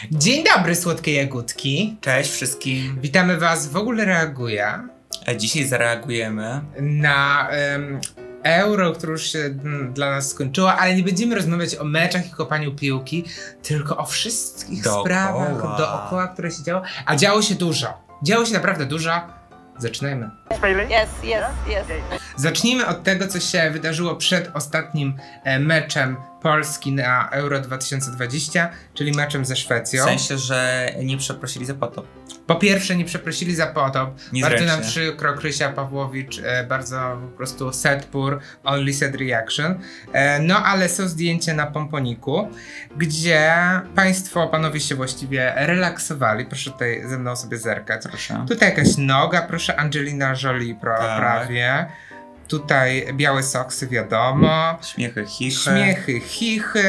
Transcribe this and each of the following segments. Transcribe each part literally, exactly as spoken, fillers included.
Dzień dobry, słodkie jagódki. Cześć wszystkim. Witamy was w ogóle reaguje A dzisiaj zareagujemy na um, Euro, które już się mm, dla nas skończyło, ale nie będziemy rozmawiać o meczach i kopaniu piłki, tylko o wszystkich Dookoła. sprawach dookoła, które się działo. A działo się dużo. Działo się naprawdę dużo. Zaczynajmy. Yes, yes, yes. Zacznijmy od tego, co się wydarzyło przed ostatnim e, meczem Polski na Euro dwa tysiące dwadzieścia, czyli meczem ze w Szwecją. sensie, że nie przeprosili za potop. Po pierwsze, nie przeprosili za potop. Niezręcznie. Bardzo nam przykro, Krysia Pawłowicz, e, bardzo po prostu sad poor, only sad reaction. E, no ale są zdjęcia na Pomponiku, gdzie państwo, panowie się właściwie relaksowali. Proszę tutaj ze mną sobie zerkać. Proszę. Tutaj jakaś noga, proszę, Angelina Jolie pro, Tak. prawie. Tutaj białe soksy, wiadomo. Śmiechy, chichy. Śmiechy, chichy,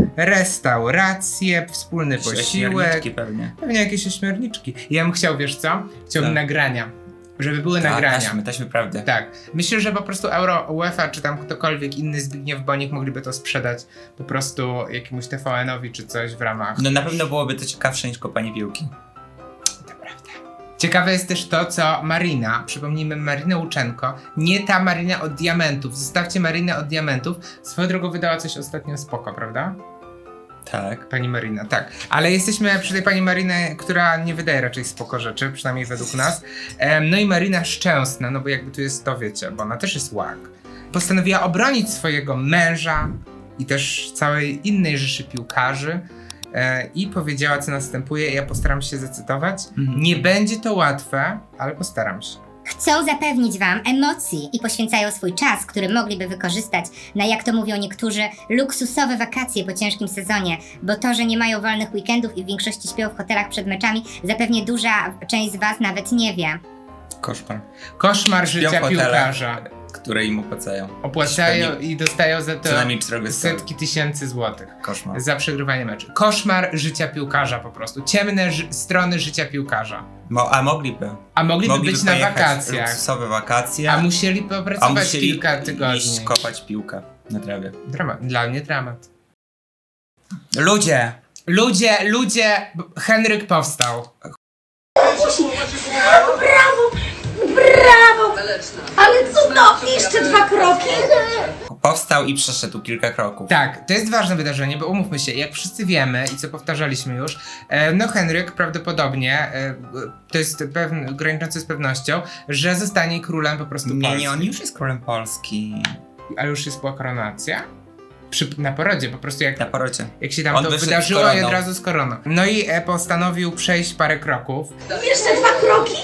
restauracje, wspólny posiłek. Ośmiorniczki pewnie. Pewnie jakieś ośmiorniczki. Ja bym chciał, wiesz co? Chciałbym Tak. nagrania. Żeby były Tak, nagrania. taśmy, taśmy prawdy. Tak. Myślę, że po prostu Euro, UEFA, czy tam ktokolwiek inny, Zbigniew Bonik mogliby to sprzedać po prostu jakiemuś T V N-owi czy coś w ramach. No na pewno byłoby to ciekawsze niż kopanie piłki. To prawda. Ciekawe jest też to, co Marina, przypomnijmy Marinę Łuczenko, nie ta Marina od diamentów, zostawcie Marinę od diamentów. Swoją drogą wydała coś ostatnio spoko, prawda? Tak. Pani Marina, tak. Ale jesteśmy przy tej pani Marinie, która nie wydaje raczej spoko rzeczy, przynajmniej według nas. Em, no i Marina Szczęsna, no bo jakby tu jest to, wiecie, bo ona też jest łak. Postanowiła obronić swojego męża i też całej innej rzeszy piłkarzy e, i powiedziała, co następuje. Ja postaram się zacytować. Mhm. Nie będzie to łatwe, ale postaram się. Chcą zapewnić Wam emocji i poświęcają swój czas, który mogliby wykorzystać na, jak to mówią niektórzy, luksusowe wakacje po ciężkim sezonie, bo to, że nie mają wolnych weekendów i w większości śpią w hotelach przed meczami, zapewnie duża część z Was nawet nie wie. Koszmar. Koszmar Śpią w życia hotelach, piłkarza. które im opłacają. Opłacają Pewnie i dostają za to Co najmniej czterech setki tysięcy złotych. Koszmar. Za przegrywanie meczu. Koszmar życia piłkarza po prostu. Ciemne ży- strony życia piłkarza. Mo- a mogliby. A mogliby, Mogliby być na pojechać wakacjach. luksusowe wakacje. A musieli a popracować musieli kilka iść tygodni. kopać piłkę na trawie. Dramat. Dla mnie dramat. Ludzie! Ludzie, ludzie, b- Henryk powstał. Brawo! Brawo! Ale cudownie! Jeszcze dwa kroki! Powstał i przeszedł kilka kroków. Tak, to jest ważne wydarzenie, bo umówmy się, jak wszyscy wiemy i co powtarzaliśmy już, e, no Henryk prawdopodobnie, e, to jest pewne, graniczące z pewnością, że zostanie królem po prostu Nie, Polski. nie, on już jest królem Polski. Ale już jest była koronacja? Przy, na porodzie, po prostu jak Na porocie. Jak się tam On to wyszedł z wydarzyło i koroną. od razu z koroną. No i e, postanowił przejść parę kroków. Jeszcze dwa kroki!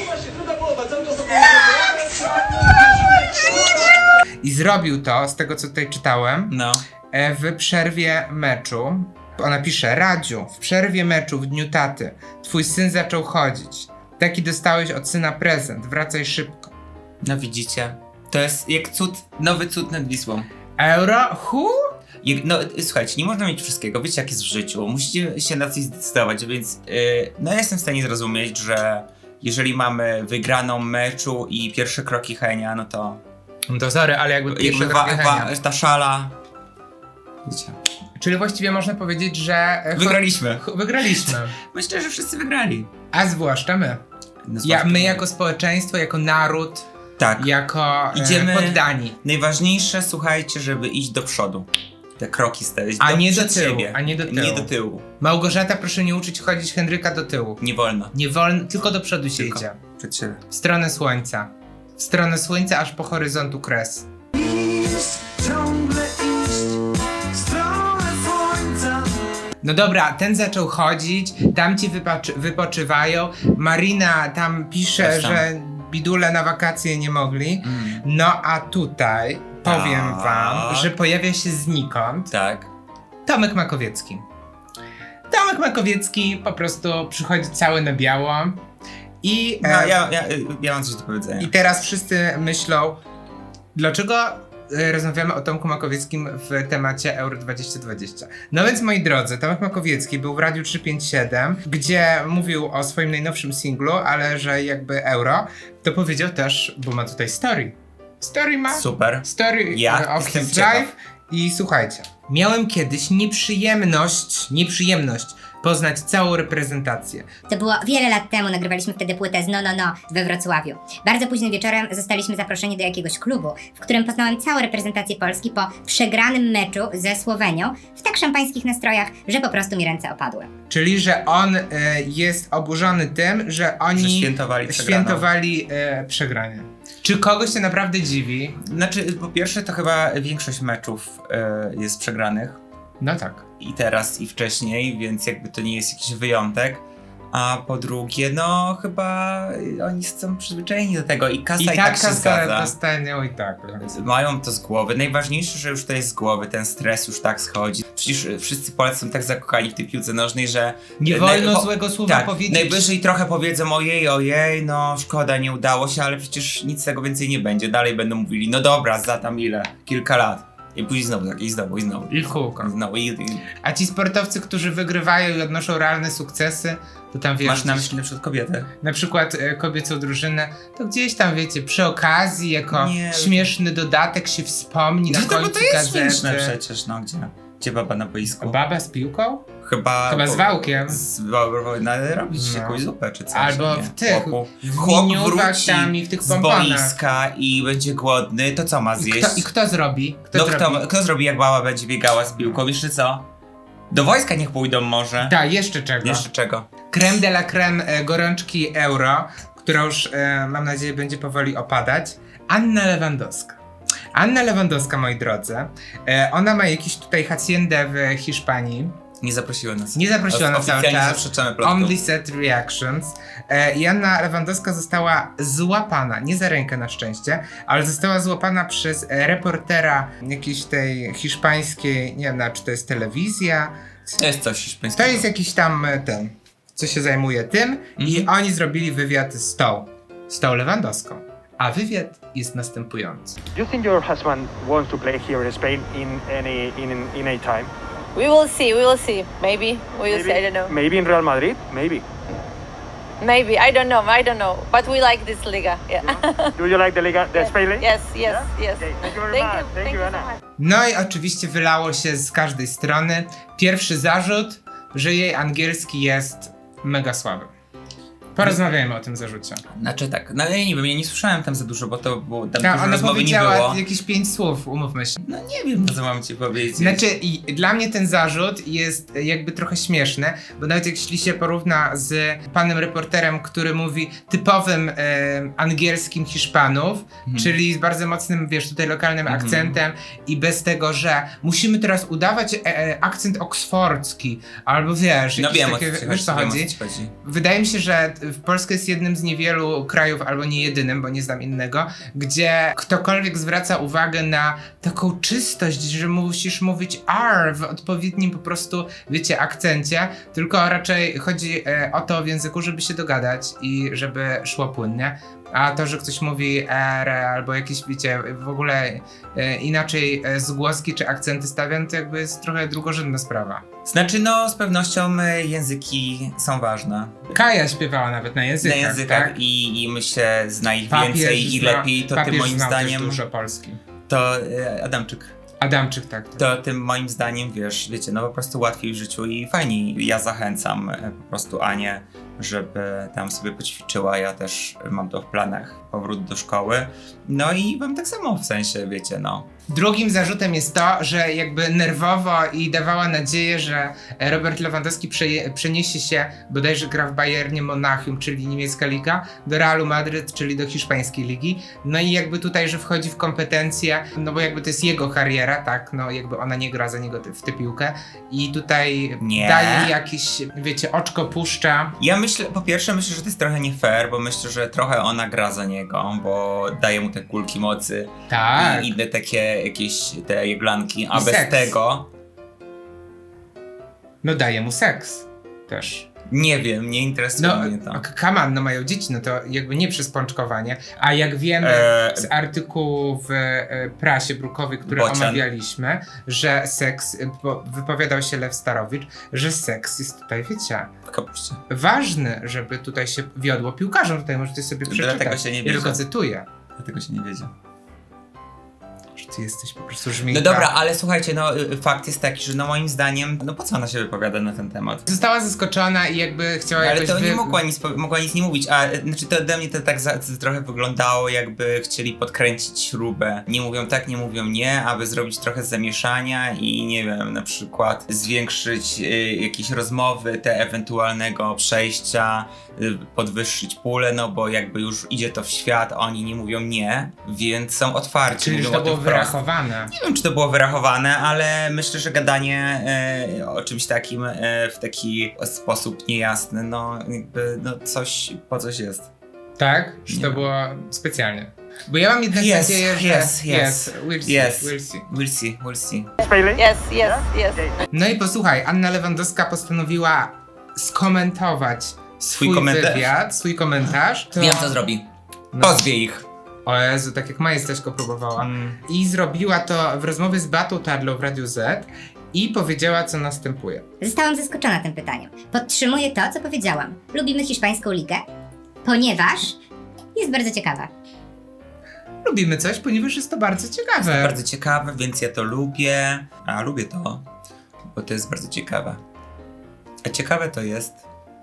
I zrobił to, z tego co tutaj czytałem, No. e, w przerwie meczu. Ona pisze: Radziu, w przerwie meczu w dniu taty twój syn zaczął chodzić. Taki dostałeś od syna prezent, wracaj szybko. No widzicie. To jest jak cud, nowy cud nad Wisłą. Euro? Hu? Jak, no słuchajcie, nie można mieć wszystkiego, wiecie jak jest w życiu. Musicie się na coś zdecydować, więc yy, no ja jestem w stanie zrozumieć, że jeżeli mamy wygraną meczu i pierwsze kroki Henia, no to No to sorry, ale jakby pierwsze jakby wa, kroki wa, Henia. ta szala. Wiecie. Czyli właściwie można powiedzieć, że... e, cho- Wygraliśmy. cho- Wygraliśmy. Myślę, że wszyscy wygrali. A zwłaszcza my. No, Ja, zwłaszcza my jako społeczeństwo, jako naród, Tak. jako e, Idziemy- poddani. Najważniejsze, słuchajcie, żeby iść do przodu. Te kroki stawiać. A nie do przed tyłu, siebie. a nie do tyłu. Nie do tyłu. Małgorzata, proszę nie uczyć chodzić Henryka do tyłu. Nie wolno. Nie wolno, tylko do przodu się Tylko. idzie. Przed siebie. W stronę słońca. W stronę słońca, aż po horyzontu kres. Ciągle iść w stronę słońca. No dobra, ten zaczął chodzić, tamci wypaczy- wypoczywają. Marina tam pisze, Też tam. że bidule na wakacje nie mogli. Mm. No a tutaj powiem Tak. wam, że pojawia się znikąd Tak. Tomek Makowiecki. Tomek Makowiecki po prostu przychodzi cały na biało i... No, e, ja, ja, ja mam coś do powiedzenia. I teraz wszyscy myślą, dlaczego e, rozmawiamy o Tomku Makowieckim w temacie Euro dwa tysiące dwadzieścia. No więc moi drodzy, Tomek Makowiecki był w Radiu trzysta pięćdziesiąt siedem, gdzie mówił o swoim najnowszym singlu, ale że jakby Euro, to powiedział też, bo ma tutaj story. Story ma? Super. Story Ja of jestem his ciekaw. life. I słuchajcie, miałem kiedyś nieprzyjemność, nieprzyjemność poznać całą reprezentację. To było wiele lat temu, nagrywaliśmy wtedy płytę z No No No we Wrocławiu. Bardzo późnym wieczorem zostaliśmy zaproszeni do jakiegoś klubu, w którym poznałem całą reprezentację Polski po przegranym meczu ze Słowenią w tak szampańskich nastrojach, że po prostu mi ręce opadły. Czyli, że on e, jest oburzony tym, że oni Że świętowali przegraną. świętowali e, przegranie. Czy kogoś to naprawdę dziwi? Znaczy, po pierwsze to chyba większość meczów e, jest przegranych. No tak. I teraz, i wcześniej, więc jakby to nie jest jakiś wyjątek. A po drugie, no chyba oni są przyzwyczajeni do tego i kasa I i, tak tak się kasa zgadza. dostanią i tak. Mają to z głowy. Najważniejsze, że już to jest z głowy, ten stres już tak schodzi. Przecież wszyscy Polacy są tak zakochani w tej piłce nożnej, że... Nie wolno naj- po- złego słowa tak, powiedzieć. najwyżej trochę powiedzą ojej, ojej, no szkoda, nie udało się, ale przecież nic z tego więcej nie będzie. Dalej będą mówili, no dobra, za tam ile? Kilka lat. I później znowu tak, i znowu, i znowu. I w kółko. I znowu, i, i... A ci sportowcy, którzy wygrywają i odnoszą realne sukcesy, to tam wiesz, Masz na gdzieś- myśli na przykład kobietę? na przykład e, kobiecą drużynę, to gdzieś tam wiecie, przy okazji, jako Nie. śmieszny dodatek się wspomni na No to, bo końcu to jest gazety. śmieszne przecież, no gdzie? Gdzie baba na boisku? Baba z piłką? Chyba... Chyba z wałkiem. Z wałkiem powinna robić No. jakąś zupę czy coś. Albo nie? w tych, Chłopu. w Chłop miniówach wróci tam i w tych z pomponach. boiska i będzie głodny, to co ma I zjeść? kto, I kto zrobi? Kto no zrobi? kto, kto zrobi jak baba będzie biegała z piłką? Jeszcze co? Do wojska niech pójdą może. Tak, jeszcze czego? Jeszcze czego? Creme de la creme e, gorączki euro, która już e, mam nadzieję będzie powoli opadać. Anna Lewandowska. Anna Lewandowska, moi drodzy, e, ona ma jakiś tutaj haciendę w Hiszpanii. Nie zaprosiła nas. Nie zaprosiła nas cały Oficjalnie czas. zaprzeczamy plotkom. Only set reactions. E, I Anna Lewandowska została złapana, nie za rękę na szczęście, ale została złapana przez e, reportera jakiejś tej hiszpańskiej, nie wiem, na- czy to jest telewizja. To jest coś hiszpańskiego. To jest jakiś tam e, ten, co się zajmuje tym i Mhm. oni zrobili wywiad z tą, z tą Lewandowską. A wywiad jest następujący. Do you think your husband wants to play here in Spain in any in in a time? We will see, we will see. Maybe, we will see, I don't know. Maybe in Real Madrid, maybe. Maybe, I don't know, I don't know. But we like this Liga, yeah. Do you like the Liga, the Spain League? Yes, yes, yes. Okay, thank you very Thank much. you, Thank thank you, you so Anna. much. No i oczywiście wylało się z każdej strony. Pierwszy zarzut, że jej angielski jest mega słaby. Porozmawiajmy o tym zarzucie. Znaczy tak, no ja nie wiem, ja nie słyszałem tam za dużo, bo to było, tam Ta, dużo ona rozmowy nie powiedziała było. jakieś pięć słów, umówmy się. No nie wiem, co mam ci powiedzieć. Znaczy, i dla mnie ten zarzut jest jakby trochę śmieszny, bo nawet jeśli się porówna z panem reporterem, który mówi typowym e, angielskim Hiszpanów, Mhm. czyli z bardzo mocnym, wiesz, tutaj lokalnym akcentem i bez tego, że musimy teraz udawać e, e, akcent oksfordzki, albo wiesz, No jakieś wiem, takie, o co ci wiesz co chodzi, chodzi? wiem, o co ci chodzi. Wydaje mi się, że w Polsce jest jednym z niewielu krajów, albo nie jedynym, bo nie znam innego, gdzie ktokolwiek zwraca uwagę na taką czystość, że musisz mówić R w odpowiednim po prostu, wiecie, akcencie, tylko raczej chodzi e, o to w języku, żeby się dogadać i żeby szło płynnie. A to, że ktoś mówi R albo jakieś, wiecie, w ogóle e, inaczej e, zgłoski czy akcenty stawiam, to jakby jest trochę drugorzędna sprawa. Znaczy no, z pewnością y, języki są ważne. Kaja śpiewała nawet na językach, Na językach tak? i, i myślę, zna ich Papież więcej i zna- lepiej, to tym papież moim znał też zdaniem, dużo Polski. to y, Adamczyk. Adamczyk, tak. To tym moim zdaniem, wiesz, wiecie, no po prostu łatwiej w życiu i fajniej. Ja zachęcam e, po prostu Anię, żeby tam sobie poćwiczyła. Ja też mam to w planach, powrót do szkoły. No i wam tak samo w sensie, wiecie, no. Drugim zarzutem jest to, że jakby nerwowo i dawała nadzieję, że Robert Lewandowski przeje, przeniesie się, bodajże gra w Bayernie Monachium, czyli niemiecka liga, do Realu Madryt, czyli do hiszpańskiej ligi. No i jakby tutaj, że wchodzi w kompetencje, no bo jakby to jest jego kariera, tak, no jakby ona nie gra za niego w tę piłkę i tutaj Nie. daje jakieś, wiecie, oczko puszcza. Ja myślę, po pierwsze myślę, że to jest trochę nie fair, bo myślę, że trochę ona gra za niego, bo daje mu te kulki mocy Tak. i inne takie jakieś te jeglanki, a I bez seks. tego No daje mu seks też. nie wiem, nie interesuje No, mnie to. come on, no mają dzieci, no to jakby nie przez pączkowanie, a jak wiemy Eee, z artykułu w e, prasie brukowej, który Bocian. omawialiśmy, że seks, e, bo wypowiadał się Lew Starowicz, że seks jest tutaj, wiecie, w kapuście. ważny, żeby tutaj się wiodło piłkarzom, tutaj możecie sobie przeczytać. Dlatego się nie Ja bierze. tylko cytuję. Dlatego się nie wiedzie. Ty jesteś po prostu No żmijka. dobra, ale słuchajcie, no y, fakt jest taki, że no moim zdaniem, no po co ona się wypowiada na ten temat? Została zaskoczona i jakby chciała Ale jakoś to wy... nie mogła nic, po- mogła nic nie mówić, a y, znaczy to ode mnie to tak za, to trochę wyglądało, jakby chcieli podkręcić śrubę. Nie mówią tak, nie mówią nie, aby zrobić trochę zamieszania i nie wiem, na przykład zwiększyć y, jakieś rozmowy, te ewentualnego przejścia, y, podwyższyć pulę, no bo jakby już idzie to w świat, a oni nie mówią nie, więc są otwarci. Czyli mówią że to o tym było wprost. wyrachowane. Nie wiem, czy to było wyrachowane, ale myślę, że gadanie e, o czymś takim e, w taki sposób niejasny, no jakby no coś po coś jest. Tak? Czy to Nie. było specjalnie? Bo ja mam jednak Yes, nadzieję, że... yes, yes. We'll see, Yes. we'll see. We'll see, we'll see. Failing? Yes, yes, yes. No i posłuchaj, Anna Lewandowska postanowiła skomentować swój komentarz? wywiad, swój komentarz. To... Wiem, co zrobi. No. Pozwie ich. O Jezu, tak jak Maja też go próbowała. Mm. I zrobiła to w rozmowie z Beatą Tarlą w Radiu Z i powiedziała, co następuje. Zostałam zaskoczona tym pytaniem. Podtrzymuję to, co powiedziałam. Lubimy hiszpańską ligę, ponieważ jest bardzo ciekawa. Lubimy coś, ponieważ jest to bardzo ciekawe. Bardzo ciekawe, więc ja to lubię. A lubię to, bo to jest bardzo ciekawe. A ciekawe to jest,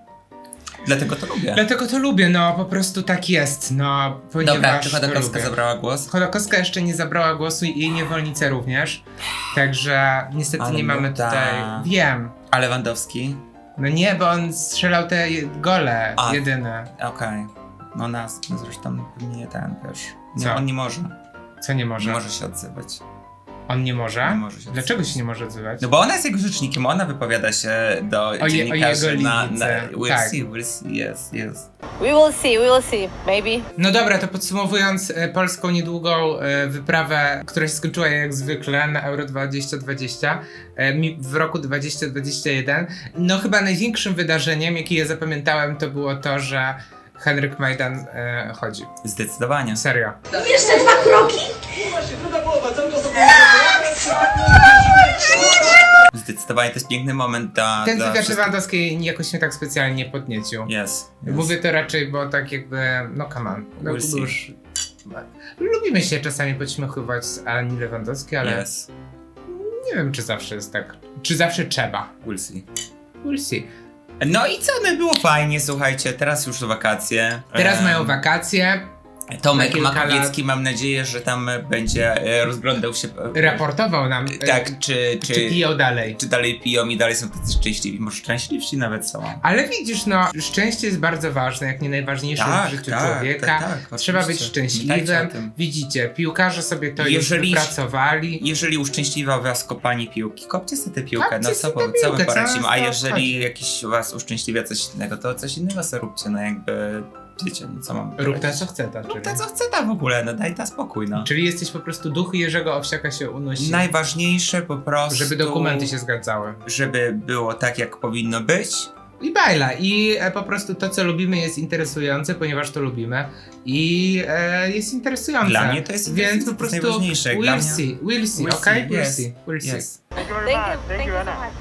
dlatego to lubię. Dlatego to lubię, no po prostu tak jest, no ponieważ Dobra, czy to Chodakowska lubię. zabrała głos? Chodakowska jeszcze nie zabrała głosu i jej niewolnice również, także niestety Ale nie mamy nuda. tutaj... Wiem. A Lewandowski? No nie, bo on strzelał te je- gole A. jedyne. Okej. No nas, no zresztą pewnie ten, wiesz. Nie, Co? on nie może. Co nie może? Nie może się odzywać. On nie może? Nie może się Dlaczego odzywać. się nie może odzywać? No bo ona jest jego rzecznikiem, ona wypowiada się do je- o dziennikarzy jego na, na... linijce, We'll tak. see, we'll see, yes, yes. We will see, we will see. Maybe. No dobra, to podsumowując e, polską niedługą e, wyprawę, która się skończyła jak zwykle na Euro dwa tysiące dwadzieścia e, mi- w roku dwa tysiące dwudziestym pierwszym. No chyba największym wydarzeniem, jakie ja zapamiętałem, to było to, że Henryk Majdan e, chodzi. Zdecydowanie. Serio. Jeszcze dwa kroki? Zdecydowanie to jest piękny moment dla, Ten dla wywiad wszystkich. Lewandowskiej jakoś mnie tak specjalnie nie podniecił. Yes, yes. Mówię to raczej, bo tak jakby, no come on. No, We'll see. już, lubimy się czasami podśmiechować z Ani Lewandowskiej, ale Yes, nie wiem, czy zawsze jest tak. Czy zawsze trzeba. we'll see. We'll see. No i co, no było fajnie, słuchajcie, teraz już wakacje. Teraz Em, mają wakacje. Tomek na kilka Makowiecki, mam nadzieję, że tam będzie e, rozglądał się... e, Raportował nam, e, Tak, czy, czy, czy, piją dalej. czy dalej piją i dalej są tacy szczęśliwi, może szczęśliwsi nawet są. Ale widzisz, no, szczęście jest bardzo ważne, jak nie najważniejsze Tak, w życiu tak, człowieka. tak, tak, Trzeba być oczywiście. Pamiętajcie o szczęśliwym. tym. Widzicie, piłkarze sobie to Jeżeli- już wypracowali. Jeżeli uszczęśliwa was kopanie piłki, kopcie sobie tę piłkę, Kopcie no sobie co, tę po- co my piłkę, co poradzimy, a nas to jeżeli obchodzi? jakiś was uszczęśliwia coś innego, to coś innego sobie róbcie, no jakby, wiecie, no co mam Rób ta powiedzieć? co chce ta, Rób czyli. ta co chce ta w ogóle, no daj ta spokój, no. Czyli jesteś po prostu duch Jerzego Owsiaka się unosi. Najważniejsze po prostu... Żeby dokumenty się zgadzały. Żeby było tak, jak powinno być. I bajla. I e, po prostu to, co lubimy, jest interesujące, ponieważ to lubimy. I e, jest interesujące. Dla mnie to jest- Więc to jest po prostu najważniejsze. Dla we'll mnie- see, we'll see, We'll okej? see, We'll yes, see, we'll see. yes. Thank you very Thank much. you, Thank thank you, you so Anna. much.